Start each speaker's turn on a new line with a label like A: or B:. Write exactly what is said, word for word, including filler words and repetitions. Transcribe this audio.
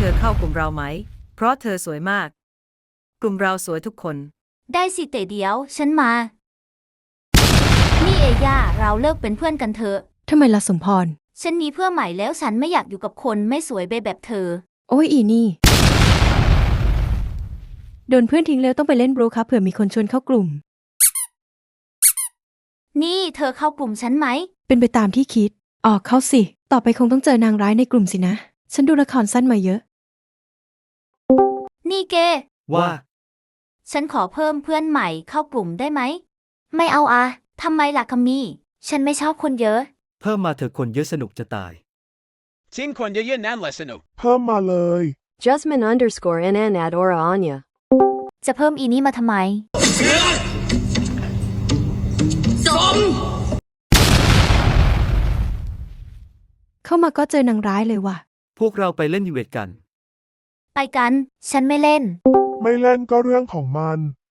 A: ธอเข้ากลุ่มเราไหมเพราะเธอสวยมากกลุ่มเราสวยทุกคน
B: ได้สิแต่เดี๋ยวฉันมานี่เอย่าเราเลิกเป็นเพื่อนกันเถอะ
C: ทำไมล่ะสมพร
B: ฉันมีเพื่อนใหม่แล้วฉันไม่อยากอยู่กับคนไม่สวยแบบเธอ
C: โอ้ยอีนี่โดนเพื่อนทิ้งแล้วต้องไปเล่นบรูครับเผื่อมีคนชวนเข้ากลุ่ม
B: นี่เธอเข้ากลุ่มฉันไหม
C: เป็นไปตามที่คิดออกเข้าสิต่อไปคงต้องเจอนางร้ายในกลุ่มสินะฉันดูละครสั้นมาเยอะ
B: นี่เก
D: ว่า
B: ฉันขอเพิ่มเพื่อนใหม่เข้ากลุ่มได้ไหมไม่เอาอะทำไมล่ะคัมมี่ฉันไม่ชอบคนเยอะ
D: เพิ่มมาเถอะคนเยอะสนุกจะตาย
E: Tinคนเยอะๆนั่นแหละสนุก
F: เพิ่มมาเลย
G: Jasmine underscore nn at Aura Anya
B: จะเพิ่มอีนี้มาทำไม
C: เข้ามาก็เจอนางร้ายเลยว่ะ
D: พวกเราไปเล่นยูเวทกัน
B: ไปกันฉันไม่เล่น
F: ไม่เล่นก็เรื่องของมัน